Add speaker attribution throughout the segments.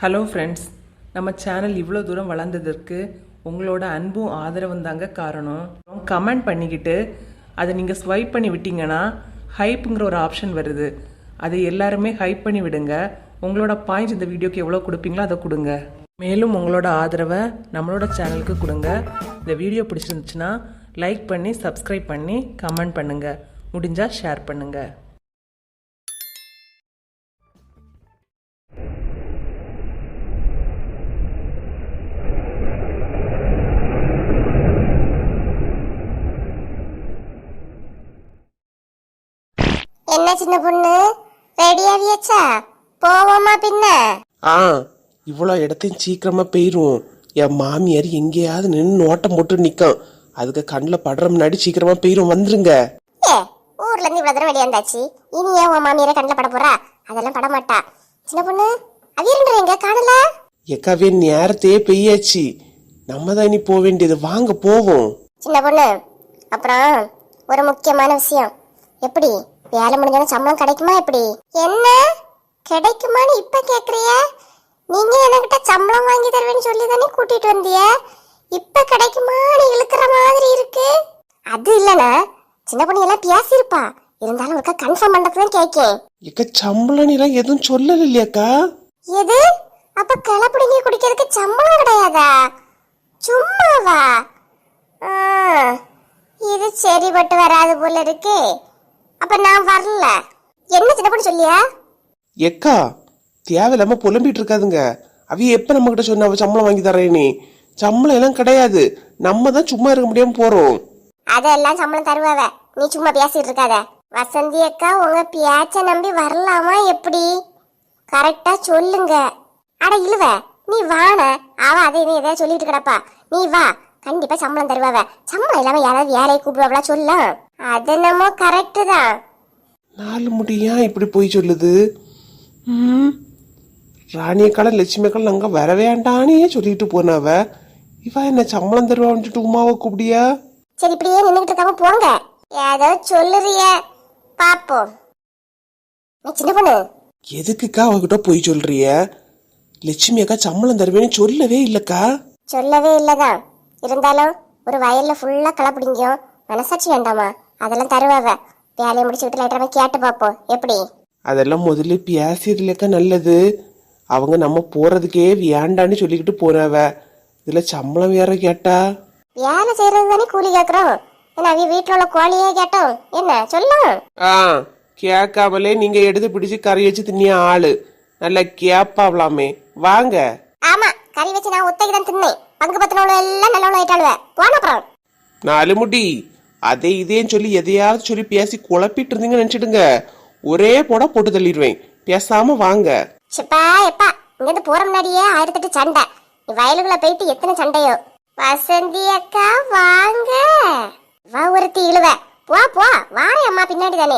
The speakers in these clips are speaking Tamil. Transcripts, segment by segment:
Speaker 1: ஹலோ ஃப்ரெண்ட்ஸ், நம்ம சேனல் இவ்வளோ தூரம் வளர்ந்ததற்கு உங்களோட அன்பும் ஆதரவும் தாங்க காரணம். கமெண்ட் பண்ணிக்கிட்டு அதை நீங்கள் ஸ்வைப் பண்ணி விட்டீங்கன்னா ஹைப்புங்கிற ஒரு ஆப்ஷன் வருது. அதை எல்லாருமே ஹைப் பண்ணி விடுங்க. உங்களோட பாயிண்ட்ஸ் இந்த வீடியோக்கு எவ்வளோ கொடுப்பீங்களோ அதை கொடுங்க. மேலும் உங்களோட ஆதரவை நம்மளோட சேனலுக்கு கொடுங்க. இந்த வீடியோ பிடிச்சிருந்துச்சுன்னா லைக் பண்ணி சப்ஸ்கிரைப் பண்ணி கமெண்ட் பண்ணுங்கள். முடிஞ்சால் ஷேர் பண்ணுங்கள்.
Speaker 2: என்ன சின்ன பொண்ணு, ரெடியாவியாச்சா? போவோமா பின்ன?
Speaker 3: இவ்வளோ இடத்தையும் சீக்கிரமா போயிரும். என் மாமியார் எங்கேயாவது நின்று நோட்டம் போட்டு நிற்கும். அதுக்கு கண்ணில் படுற முன்னாடி சீக்கிரமா போயிரும். வந்துருங்க.
Speaker 2: ஊர்ல இருந்து இவ்வளவு தூரம் வெளியாந்தாச்சு, இனி ஏன் உன் மாமியார கண்ணில் பட போறா? அதெல்லாம் பட மாட்டா. சின்ன பொண்ணு, அவியரன்ற எங்க காணல?
Speaker 3: எக்காவே நேரத்தையே பெய்யாச்சு. நம்ம தான் இனி போக வேண்டியது. வாங்க போவோம்.
Speaker 2: சின்ன பொண்ணு, அப்புறம் ஒரு முக்கியமான விஷயம். எப்படி வேலை முடிஞ்சாலும் சம்பளம் கிடைக்குமா? எப்படி என்ன கிடைக்குமான்னு இப்ப கேக்குறிய? நீங்க என்கிட்ட சம்பளம் வாங்கி தருவேன்னு சொல்லி தானே கூட்டிட்டு வந்திய. இப்ப கிடைக்குமான்னு இழுக்கிற மாதிரி இருக்கு. அது இல்லனா சின்ன பொண்ணு எல்லாம் பேசியிருப்பா. இருந்தாலும் ஒருக்கா கன்ஃபார்ம் பண்றதுதான் கேக்கேன்.
Speaker 3: எக்க சம்பளம் எல்லாம் எதுவும் சொல்லல இல்லையாக்கா?
Speaker 2: எது? அப்ப கிளப்பிடிங்க குடிக்கிறதுக்கு சம்பளம் கிடையாதா? சும்மாவா? இது சரிப்பட்டு வராது போல இருக்கே. அப்ப நான் வரல. என்ன சின்ன பொண்ணு சொல்லியா?
Speaker 3: எக்கா தேவையில்லாம புலம்பிட்டு இருக்காதுங்க. அவைய எப்ப நம்ம கிட்ட சொன்ன அவ சம்பளம் வாங்கி தரேன்னு? சம்பளம் எல்லாம் கிடையாது. நம்ம தான் சும்மா இருக்க முடியாம போறோம்.
Speaker 2: அதெல்லாம் சம்பளம் தருவாவ. நீ சும்மா பேசிட்டு இருக்காத. வசந்தி அக்கா உங்க பேச்ச நம்பி வரலாமா? எப்படி கரெக்டா சொல்லுங்க. அட இழுவ, நீ வான. அவ அதை எதையா சொல்லிட்டு கிடப்பா. நீ வா, கண்டிப்பா சம்பளம் தருவாவ. சம்பளம் இல்லாம யாராவது வேலையை கூப்பிடுவாங்களா? சொல்லலாம். அது என்னமோ கரெக்டு தான்.
Speaker 3: நாலு முடியா இப்படி போய் சொல்லுது. ராணியக்கால லட்சுமியக்கால நாங்க வர வேண்டானே சொல்லிட்டு போனவ இவ என்ன சம்பளம் தருவான்ட்டு உமாவை கூப்பிடியா?
Speaker 2: சரி, இப்படியே நின்றுட்டு இருக்காம போங்க. ஏதோ சொல்லுறிய பாப்போம். சின்ன பொண்ணு,
Speaker 3: எதுக்குக்கா அவகிட்ட போய் சொல்றிய? லட்சுமி அக்கா சம்பளம் தருவேன்னு சொல்லவே இல்லக்கா.
Speaker 2: சொல்லவே இல்லதான். இருந்தாலும் ஒரு வயல்ல ஃபுல்லா களை பிடிங்கும். மனசாட்சி வேண்டாமா? அதெல்லாம் தருவாவ. வேலையை முடிச்சுக்கிட்டு லைட்டா கேட்டு பாப்போம். எப்படி?
Speaker 3: அதெல்லாம் முதல்ல பேசியதுலக்கா நல்லது. அவங்க நம்ம போறதுக்கே வேண்டான்னு சொல்லிக்கிட்டு போறவ. இதுல சம்பளம் வேற கேட்டா?
Speaker 2: வேலை செய்யறது தானே கூலி கேக்குறோம். ஏன்னா அவிய வீட்டுல உள்ள கோழியே கேட்டோம். என்ன சொல்லும்?
Speaker 3: கேட்காமலே நீங்க எடுத்து பிடிச்சு கறி வச்சு தின்னிய ஆளு. நல்லா கேப்பாவலாமே. வாங்க.
Speaker 2: ஆமா, கறி வச்சு நான் ஒத்தைக்கு தான் தின்னேன். பங்கு பத்தினவள எல்லாம் நல்லவள ஆயிட்டாளுவ. போன அப்புறம்
Speaker 3: நாலு முடி அதே இதேன்னு சொல்லி எதையாவது சொல்லி பேசி குழப்பிட்டு இருந்தீங்கன்னு நினைச்சிடுங்க. ஒரே போட்டு தள்ளிடுவேன். பேசாம வாங்க.
Speaker 2: சிப்பா எப்பா, இங்க இருந்து போற முன்னாடியே 1008 சண்டை. நீ வயலுக்குள்ள போயிட்டு எத்தனை சண்டையோ. வசந்தி அக்கா வாங்க. வா ஒருத்தி இழுவ. போ போ, வாரே அம்மா பின்னாடி தானே.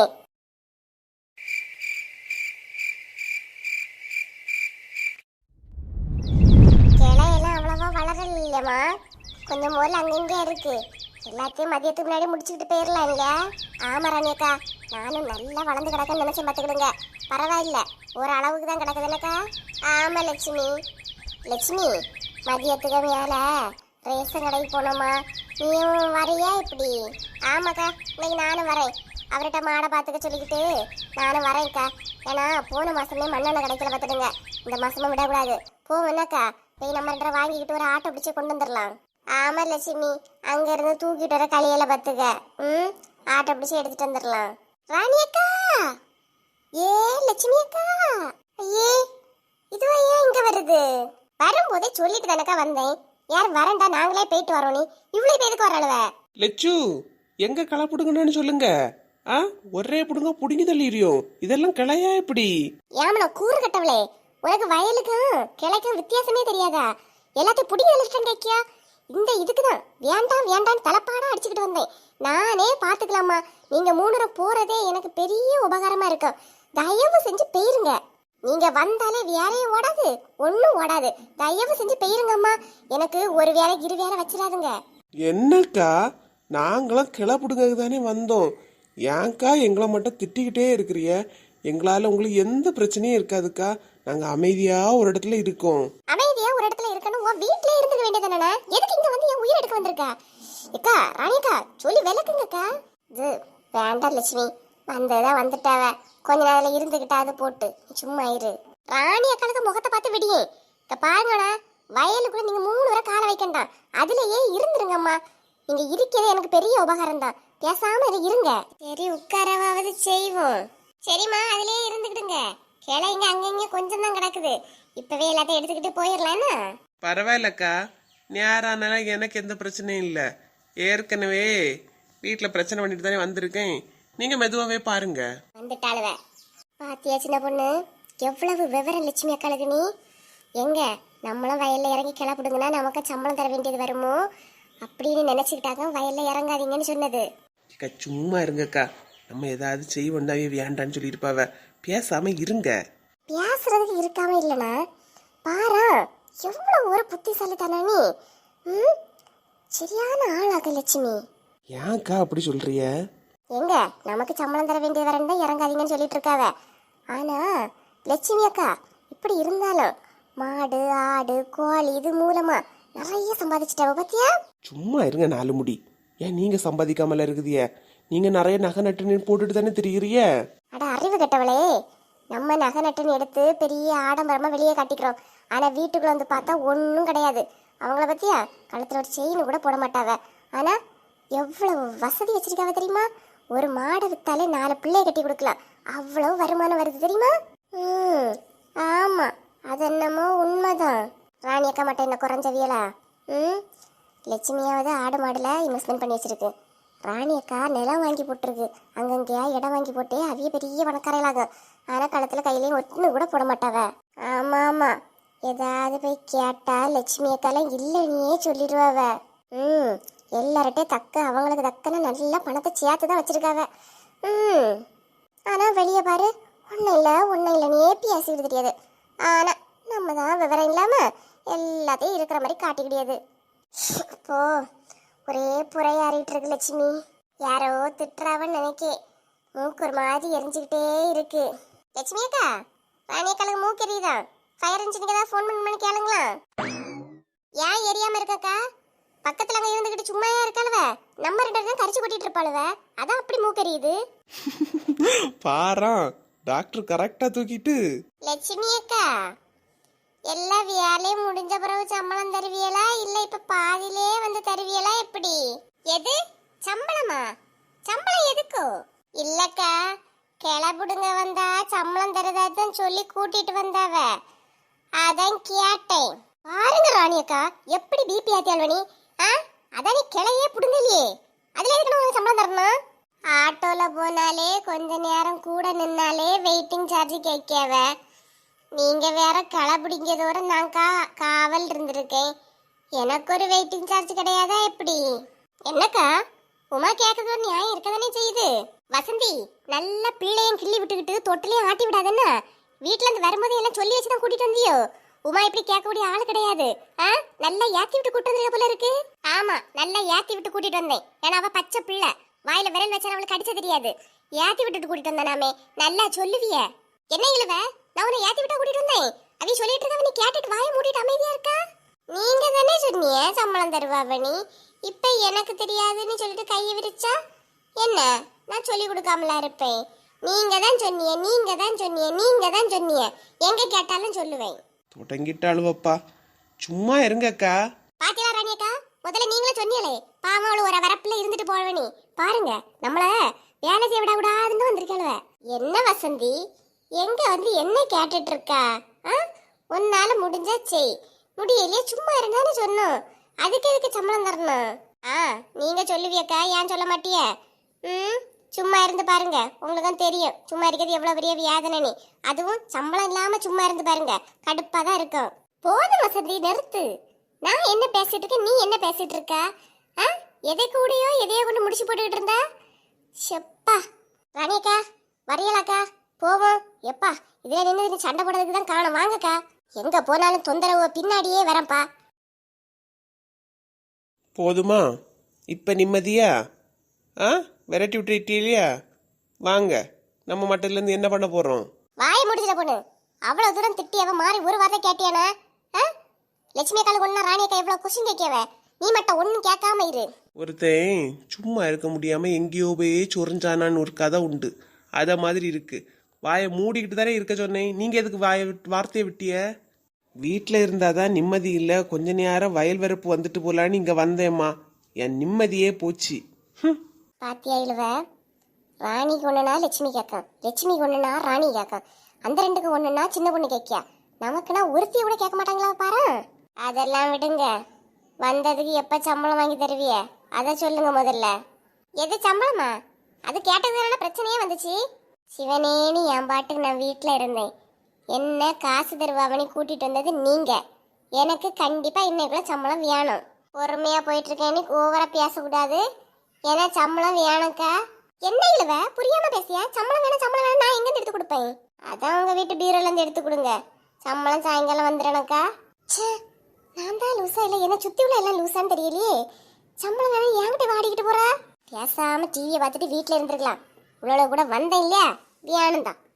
Speaker 2: கிளையெல்லாம் அவ்வளவா வளரல இல்லையம்மா. கொஞ்சம் முதல்ல அங்கங்கே இருக்கு. எல்லாத்தையும் மதியத்துக்கு முன்னாடி முடிச்சுக்கிட்டு போயிடலாம் இல்ல? ஆமா ராணியக்கா, நானும் நல்லா வளர்ந்து கிடக்குன்னு நினைச்சேன். பார்த்துக்கிடுங்க, பரவாயில்ல, ஒரு அளவுக்கு தான் கிடக்குதுல்லக்கா. ஆமா லட்சுமி. லட்சுமி, மதியத்துக்கு மேல ரேஷன் கடைக்கு போனோமா? நீயும் வரையா? இப்படி? ஆமாக்கா, இன்னைக்கு நானும் வரேன். அவர்கிட்ட மாடை பார்த்துக்க சொல்லிக்கிட்டு நானும் வரேன்க்கா. ஏன்னா போன மாசமே மண்ணெண்ணெய் கிடைக்கல. பார்த்துடுங்க, இந்த மாசமும் விடக்கூடாது. போவோம்னாக்கா போய் நம்ம 2 வாங்கிக்கிட்டு ஒரு ஆட்டோ பிடிச்சி கொண்டு வந்துடலாம். ஆமா லட்சுமி, அங்க இருந்து தூக்கிட்டு வர களியில பத்துக்க. ஆட்டோ பிடிச்சி எடுத்துட்டு வந்துடலாம். ராணி அக்கா, ஏ லட்சுமி அக்கா, ஐயே இதுவா ஏன் இங்க வருது? வரும்போதே சொல்லிட்டு தானக்கா வந்தேன். யார் வரண்டா, நாங்களே போயிட்டு வரோம். நீ இவ்வளவு பேருக்கு வரழுவ?
Speaker 3: லட்சு, எங்க களை புடுங்கன்னு சொல்லுங்க. ஒரே புடுங்க புடுங்கி தள்ளிடுவோம். இதெல்லாம் கிளையா எப்படி?
Speaker 2: ஏமனா கூறு கட்டவளே, உனக்கு வயலுக்கும் கிளைக்கும் வித்தியாசமே தெரியாதா? எல்லாத்தையும் புடிங்க தள்ளிட்டேன் கேக்கியா? இந்த இதுக்குதான் வேண்டாம் வேண்டாம் தலைப்பாடா அடிச்சுக்கிட்டு வந்தேன். நானே பாத்துக்கலாமா? நீங்க 3 போறதே எனக்கு பெரிய உபகாரமா இருக்கும். தயவு செஞ்சு போயிருங்க. நீங்க வந்தாலே வேலையும் ஓடாது, ஒன்னும் ஓடாது. தயவு செஞ்சு போயிருங்கம்மா. எனக்கு ஒரு வேலை 2 வேலை வச்சிடாதுங்க.
Speaker 3: என்னக்கா, நாங்களும் கிளை புடுங்க தானே வந்தோம். ஏன்க்கா எங்களை மட்டும் திட்டிக்கிட்டே இருக்கிறிய? எங்களால உங்களுக்கு எந்த பிரச்சனையும் இருக்காதுக்கா. நாங்க அமைதியா ஒரு இடத்துல இருக்கோம்.
Speaker 2: அமைதியா ஒரு இடத்துல இருக்கணும், உன் வீட்லயே இருந்துக்க வேண்டியதானே? எதுக்கு இங்க வந்து என் உயிர் எடுக்க வந்திருக்க? அக்கா ராணிக்கா சொல்லி விளக்குங்கக்கா. இது வேண்டாம் லட்சுமி, வந்ததா வந்துட்டாவ, கொஞ்ச நேரம் இருந்துகிட்டா அது போட்டு சும்மா இரு. ராணி அக்காளுக்கு முகத்தை பார்த்து விடியே. இங்க பாருங்கடா, வயலுக்குள்ள நீங்க 3 வரை காலை வைக்கண்டாம், அதுலயே இருந்துருங்கம்மா. நீங்க இருக்கிறது எனக்கு பெரிய உபகாரம் தான், பேசாம இருங்க. சரி உட்காரவாவது செய்வோம். சரிம்மா, அதுலயே இருந்துக்கிடுங்க. கிளைங்க அங்கங்க கொஞ்சம் தான் கிடக்குது, இப்பவே எல்லாத்தையும் எடுத்துக்கிட்டு போயிடலாம்னா.
Speaker 3: பரவாயில்லக்கா, நேரானாலும் எனக்கு எந்த பிரச்சனையும் இல்லை. ஏற்கனவே வீட்டில் பிரச்சனை பண்ணிட்டு தானே வந்திருக்கேன். நீங்க மெதுவாகவே பாருங்க.
Speaker 2: வந்துட்டாளுவ பாத்தியா சின்ன பொண்ணு, எவ்வளவு விவரம் லட்சுமி அக்காளுக்கு. நீ எங்க நம்மளும் வயல்ல இறங்கி கிளப்பிடுங்கன்னா நமக்கு சம்பளம் தர வேண்டியது வருமோ அப்படின்னு நினைச்சுக்கிட்டாங்க வயல்ல இறங்காதீங்கன்னு சொன்னது.
Speaker 3: அக்கா சும்மா இருங்கக்கா, நம்ம ஏதாவது செய்வோண்டாவே வேண்டான்னு சொல்லியிருப்பாவ. பேசாம இருங்க.
Speaker 2: பேசுறதுக்கு இருக்காம இல்லனா பாரா, எவ்வளவு ஒரு புத்திசாலித்தானா நீ. சரியான ஆளாக லட்சுமி.
Speaker 3: ஏன்க்கா அப்படி சொல்றிய?
Speaker 2: எங்க நமக்கு சம்பளம் தர வேண்டியது வரண்டா இறங்காதீங்கன்னு சொல்லிட்டு இருக்காவ. ஆனா லட்சுமி அக்கா இப்படி இருந்தாலும் மாடு ஆடு கோழி இது மூலமா நிறைய சம்பாதிச்சிட்டாவ பாத்தியா.
Speaker 3: சும்மா இருங்க நாலு முடி. ஏன் நீங்க சம்பாதிக்காமல இருக்குதிய? நீங்க நிறைய நகை நட்டு போட்டுட்டு தானே திரிகிறிய.
Speaker 2: அட அறிவு கெட்டவளே, நம்ம நகை நட்டுன்னு எடுத்து பெரிய ஆடம்பரமா வெளியே காட்டிக்கிறோம், ஆனா வீட்டுக்குள்ள வந்து பார்த்தா ஒன்றும் கிடையாது. அவங்கள பத்தியா கழுத்துல ஒரு செயின் கூட போட மாட்டாவ, ஆனா எவ்வளவு வசதி வச்சிருக்காவ தெரியுமா. ஒரு மாடை வித்தாலே 4 பிள்ளைய கட்டி கொடுக்கலாம், அவ்வளவு வருமானம் வருது தெரியுமா. ஆமா, அது என்னமோ உண்மைதான். ராணி அக்கா மட்டும் என்ன குறைஞ்சவியலா? லட்சுமியாவது ஆடு மாடுல இன்வெஸ்ட்மெண்ட் பண்ணி வச்சிருக்கு, ராணி அக்கா நிலம் வாங்கி போட்டிருக்கு, அங்கங்கேயா இடம் வாங்கி போட்டு அவிய பெரிய பணக்காரங்களாகும், ஆனா களத்துல கையிலையும் ஒன்று கூட போட மாட்டாவ. ஆமா ஆமா, ஏதாவது போய் கேட்டா லட்சுமி அக்காலாம் இல்லைன்னே சொல்லிடுவாவ. எல்லார்ட்டையும் அவங்களுக்கு தக்கன நல்ல பணத்தை சேர்த்து தான் வச்சிருக்காவ. ஆனா வெளியே பாரு, ஒன்னும் இல்லைன்னே பேசிக்கிட்டு தெரியாது. ஆனா நம்ம தான் விவரம் இல்லாம எல்லாத்தையும் இருக்கிற மாதிரி காட்டிக்கிடியாது. இப்போ ஒரே புறையாறிட்டு இருக்கு லட்சுமி. யாரோ திட்டுறாவன்னு நினைக்கே, மூக்கு ஒரு மாதிரி எரிஞ்சுக்கிட்டே இருக்கு. லட்சுமி அக்கா, ராணி அக்காளுக்கு மூக்கு எரியுதா? ஃபயர் இன்ஜினுக்கு ஏதாவது ஃபோன் பண்ணி கேளுங்களா? ஏன் எரியாம இருக்கக்கா? பக்கத்துல அங்க இருந்துகிட்டு சும்மாயா இருக்காளுவ, நம்ம 2 பேரும் கரிச்சு கொட்டிட்டு இருப்பாளுவ, அதான் அப்படி மூக்கு எரியுது.
Speaker 3: பாரா, டாக்டர் கரெக்டா தூக்கிட்டு.
Speaker 2: லட்சுமி அக்கா, எல்லா வேலையும் முடிஞ்ச பிறகு சம்பளம் தருவியலா இல்ல இப்ப பாதியிலே வந்து தருவியலா எப்படி? எது சம்பளமா? சம்பளம் எதுக்கோ? இல்லக்கா, கிளப்புடுங்க வந்தா சம்பளம் தரதாதான் சொல்லி கூட்டிட்டு வந்தாவ, அதான் கேட்டேன். பாருங்க ராணி அக்கா, எப்படி பிபி ஆத்தியால்வனி. அதான் நீ கிளையே புடுங்கலையே, அதுல எதுக்கு உனக்கு சம்பளம் தரணும்? ஆட்டோல போனாலே கொஞ்ச நேரம் கூட நின்னாலே வெயிட்டிங் சார்ஜ் கேட்கவ, நீங்க வேற களை பிடிக்கிறதோட நான் காவல் இருந்திருக்கேன், எனக்கு ஒரு வெயிட்டிங் சார்ஜ் கிடையாதா எப்படி? என்னக்கா உமா கேட்கறது ஒரு நியாயம் இருக்கதானே செய்யுது. வசந்தி, நல்ல பிள்ளையும் கிள்ளி விட்டுக்கிட்டு தொட்டிலையும் ஆட்டி விடாதன்னா, வீட்டுல இருந்து வரும்போது எல்லாம் சொல்லி வச்சுதான் கூட்டிட்டு வந்தியோ? உமா இப்படி கேட்கக்கூடிய ஆளு கிடையாது. நல்லா ஏத்தி விட்டு கூட்டு வந்திருக்க போல இருக்கு. ஆமா, நல்லா ஏத்தி விட்டு கூட்டிட்டு வந்தேன், ஏன்னா அவ பச்சை பிள்ளை, வாயில விரல் வச்சா அவளுக்கு அடிச்ச தெரியாது, ஏத்தி விட்டுட்டு கூட்டிட்டு வந்தானாமே. நல்லா சொல்லுவிய. என்ன இழுவ, நான் உன்னை ஏத்தி விட்டா கூட்டிட்டு வந்தேன், அவ சொல்லிட்டு இருக்க, நீ கேட்டுட்டு வாயை மூடிட்டு அமைதியா இருக்கா? நீங்க தானே சொன்னீங்க சம்பளம் தருவாவனி, இப்ப எனக்கு தெரியாதுன்னு சொல்லிட்டு கையை விரிச்சா என்ன? நான் சொல்லி கொடுக்காமலா இருப்பேன்? நீங்க தான் சொன்னீங்க, எங்க கேட்டாலும் சொல்லுவேன்.
Speaker 3: தொடங்கிட்டாளுவப்பா, சும்மா இருங்கக்கா.
Speaker 2: பாத்தியா ராணி அக்கா, முதல்ல நீங்களும் சொன்னீங்களே, பாவம் ஒரு வரப்புல இருந்துட்டு போவனி, பாருங்க நம்மள வேலை செய்ய விட கூடாதுன்னு வந்திருக்காளுவ. என்ன வசந்தி, எங்க வந்து என்ன கேட்டுட்டு இருக்கா? உன்னால முடிஞ்சா செய், முடியலையே சும்மா இருந்தான்னு சொன்னோம், அதுக்கு எதுக்கு சம்பளம் தரணும்? நீங்க சொல்லுவியக்கா, ஏன் சொல்ல மாட்டிய? சும்மா இருந்து பாருங்க, உங்களுக்கு தெரியும் சும்மா இருக்கிறது எவ்வளவு பெரிய வேதனை. அதுவும் சம்பளம் இல்லாம சும்மா இருந்து பாருங்க, கடுப்பா தான் இருக்கும். போதும் வசந்தி, நிறுத்து. நான் என்ன பேசிட்டு இருக்கேன், நீ என்ன பேசிட்டு இருக்க? எதை கூடயோ எதையோ கொண்டு முடிச்சு போட்டுக்கிட்டு இருந்தா. செப்பா ராணியக்கா, வரையலாக்கா, போவோம். எப்பா இதுல நின்று சண்டை போடுறதுக்கு தான் காணும், வாங்கக்கா. எங்க போனாலும் தொந்தரவு பின்னாடியே வரப்பா.
Speaker 3: போதுமா? இப்ப நிம்மதியா? விரட்டி விட்டுட்டீங்களா? வாங்க நம்ம மட்டத்துல இருந்து என்ன பண்ண போறோம்?
Speaker 2: வாயை முடிச்சிட பொண்ணு. அவ்வளவு தூரம் திட்டி அவ மாறி ஒரு வார்த்தை கேட்டியானா? லட்சுமி அக்காளுக்கு ஒன்னா ராணி அக்கா எவ்வளவு கொஸ்டின் கேட்கவ, நீ மட்டும் ஒன்னும் கேட்காம இரு.
Speaker 3: ஒருத்தன் சும்மா இருக்க முடியாம எங்கேயோ போய் சொரிஞ்சானான்னு ஒரு கதை உண்டு. அத மாதிரி இருக்கு. வாயை மூடிக்கிட்டு தானே இருக்க சொன்னேன். நீங்க எதுக்கு வார்த்தையை விட்டிய? வீட்டில் இருந்தாதான் நிம்மதி இல்லை. கொஞ்ச நேரம் வயல் வரப்பு வந்துட்டு போலான்னு இங்க வந்தேம்மா. என் நிம்மதியே போச்சு.
Speaker 2: பாத்தியா இழுவ, ராணிக்கு ஒண்ணுனா லட்சுமி கேட்கும், லட்சுமிக்கு ஒண்ணுனா ராணி கேட்கும், அந்த ரெண்டுக்கு ஒண்ணுனா சின்ன பொண்ணு கேட்கியா. நமக்குன்னா ஒருத்திய கூட கேட்க மாட்டாங்களா பாரு. அதெல்லாம் விடுங்க. வந்ததுக்கு எப்ப சம்பளம் வாங்கி தருவிய அத சொல்லுங்க முதல்ல. எது சம்பளமா? அது கேட்டதுனால பிரச்சனையே வந்துச்சு. சிவனேன்னு என் பாட்டுக்கு நான் வீட்டுல இருந்தேன். என்ன காசு தருவாவணி கூட்டிட்டு வந்தது நீங்க. எனக்கு கண்டிப்பா இன்னைக்குள்ள சம்பளம் வேணும். பொறுமையா போயிட்டு இருக்கேன்னு ஓவரா பேசக்கூடாது. ஏன்னா சம்பளம் வேணுக்கா. என்ன இழுவ புரியாம பேசியா? சம்பளம் வேணும் சம்பளம் வேணும், நான் எங்க இருந்து எடுத்து கொடுப்பேன்? அதான் உங்க வீட்டு பீரோல இருந்து எடுத்து கொடுங்க. சம்பளம் சாயங்காலம் வந்துடணுக்கா. நான் தான் லூசா இல்ல, என்ன சுத்தி உள்ள எல்லாம் லூசான்னு தெரியலையே. சம்பளம் வேணும் என்கிட்ட வாடிக்கிட்டு போறா. பேசாம டிவியை பார்த்துட்டு வீட்டுல இருந்திருக்கலாம். இவ்வளவு கூட வந்தேன் இல்லையா, வேணும் தான்.